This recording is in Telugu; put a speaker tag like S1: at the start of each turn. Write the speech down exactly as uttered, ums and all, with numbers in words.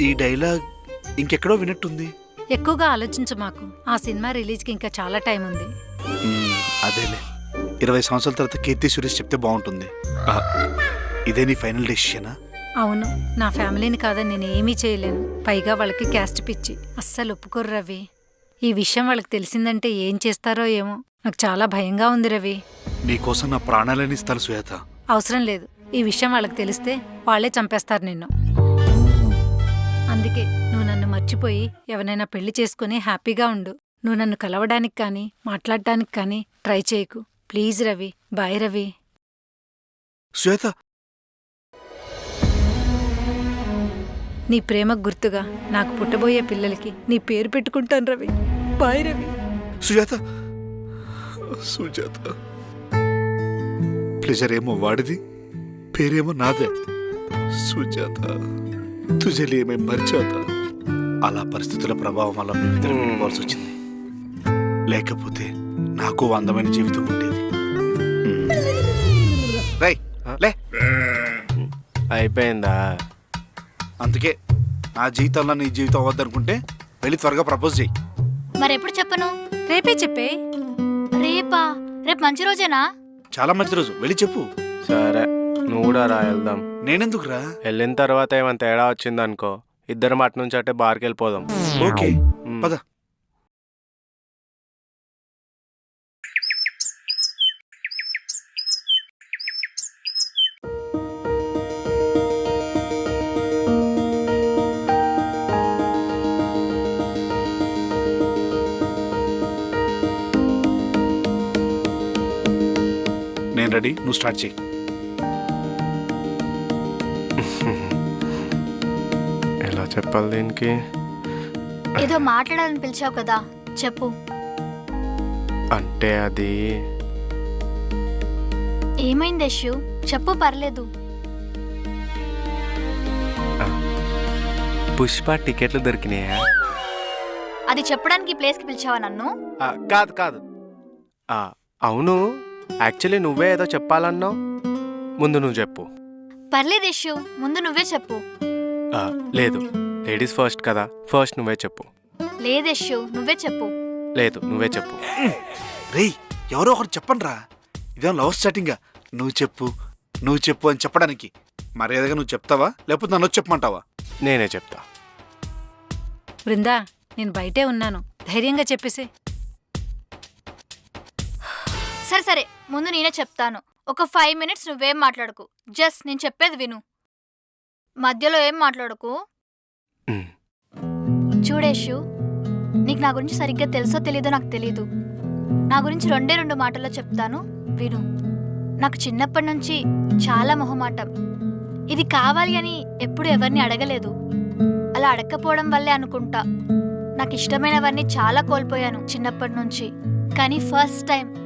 S1: ఈ డైలాగ్ ఇంకెక్కడో వినట్టుంది.
S2: ఎక్కువగా ఆలోచించు మాకు. ఆ సినిమా రిలీజ్కి ఇంకా చాలా టైం ఉంది.
S1: మ్మ్, అదేలే ఇరవై సంవత్సరాల తర్వాత కీర్తి సురేష్ చెప్తే బాగుంటుంది. ఆ, ఇదే నీ ఫైనల్ డెసిషనా?
S2: అవును, నా ఫ్యామిలీని కాదని నేను ఏమీ చేయలేను. పైగా వాళ్ళకి క్యాస్ట్ పిచ్చి, అస్సలు ఒప్పుకోరు రవి. ఈ విషయం వాళ్ళకి తెలిసిందంటే ఏం చేస్తారో ఏమో. నాకు చాలా భయంగా ఉంది రవి.
S1: నీకోసం నా ప్రాణాలని ఇస్తాను శ్వేత.
S2: అవసరం లేదు. ఈ విషయం వాళ్ళకి తెలిస్తే వాళ్ళే చంపేస్తారు నిన్ను. అందుకే నువ్వు నన్ను మర్చిపోయి ఎవరైనా పెళ్లి చేసుకుని హ్యాపీగా ఉండు. నువ్వు నన్ను కలవడానికి కానీ మాట్లాడటానికి కానీ ట్రై చేయకు ప్లీజ్ రవి. బాయ్ రవి.
S1: శ్వేత,
S2: నీ ప్రేమకు గుర్తుగా నాకు పుట్టబోయే పిల్లలకి నీ పేరు పెట్టుకుంటాను రవి. బాయ్ రవి.
S1: సుజాత, సుజాత, ప్లెజర్ ఏమో వాడిది, పేరేమో నాదే. సుజాత, తుజలి ఏమే మర్చాత. అలా పరిస్థితుల ప్రభావం వల్ల మేమిద్దరం విడిపోవాల్సి వచ్చింది. లేకపోతే నాకు అందమైన జీవితం ఉండేది. రై లే.
S3: అయిపోయిందా?
S1: అందుకే నా జీవితంలో నీ జీవితం అవ్వద్దనుకుంటే వెళ్ళి త్వరగా ప్రపోజ్ చేయి.
S4: మరెప్పుడు చెప్పను?
S2: రేపే చెప్పే.
S4: రేపా? రేపు మంచి రోజేనా?
S1: చాలా మంచి రోజు, వెళ్ళి చెప్పు.
S3: సరే, నువ్వు కూడా రా, వెళ్దాం.
S1: నేనెందుకురా?
S3: వెళ్ళిన తర్వాత ఏమైనా తేడా వచ్చిందనుకో, ఇద్దరం అటు నుంచి అటే బార్కి వెళ్ళిపోదాం.
S1: ఓకే పద. నేను రెడీ, నువ్వు స్టార్ట్ చేయి.
S3: ఎలా చెప్పాలి దీనికి?
S4: ఏదో మాట్లాడాలని పిలిచావు కదా, చెప్పు.
S3: అంటే అది
S4: ఏమైంది యశు? చెప్పు, పర్లేదు.
S3: పుష్ప టికెట్లు దొరికినాయా?
S4: అది చెప్పడానికి ఈ ప్లేస్కి పిలిచావా నన్ను?
S3: ఆ, కాదు కాదు ఆ, అవును, యాక్చువల్లీ నువ్వే ఏదో చెప్పాలన్నావు. ముందు నువ్వు చెప్పు.
S4: పర్లేదు యశు, ముందు నువ్వే చెప్పు.
S3: ఆ, లేదు, లేడీస్ ఫస్ట్ కదా, ఫస్ట్ నువ్వే చెప్పు.
S4: లేదు యశు, నువ్వే చెప్పు.
S3: లేదు, నువ్వే చెప్పు.
S1: రేయ్, ఎవరో ఒకరు చెప్పండి రా. ఇదేం లవ్ స్టార్టింగా? నువ్వు చెప్పు నువ్వు చెప్పు అని చెప్పడానికి మర్యాదగా నువ్వు చెప్తావా, లేకపోతే నన్ను చెప్పమంటావా?
S3: నేనే చెప్తా.
S2: బృందా, నేను బయటే ఉన్నాను, ధైర్యంగా చెప్పేసి.
S4: సరే సరే, ముందు నేనే చెప్తాను. ఒక ఫైవ్ మినిట్స్ నువ్వేం మాట్లాడకు, జస్ట్ నేను చెప్పేది విను. మధ్యలో ఏం మాట్లాడకు.
S3: ఉమ్.
S4: చూడేషు, నీకు నా గురించి సరిగ్గా తెలుసో తెలీదో నాకు తెలీదు. నా గురించి రెండే రెండు మాటల్లో చెప్తాను, విను. నాకు చిన్నప్పటి నుంచి చాలా మొహమాటం. ఇది కావాలి అని ఎప్పుడు ఎవరిని అడగలేదు. అలా అడగకపోవడం వల్లే అనుకుంటా నాకు ఇష్టమైనవన్నీ చాలా కోల్పోయాను చిన్నప్పటి నుంచి. కానీ ఫస్ట్ టైం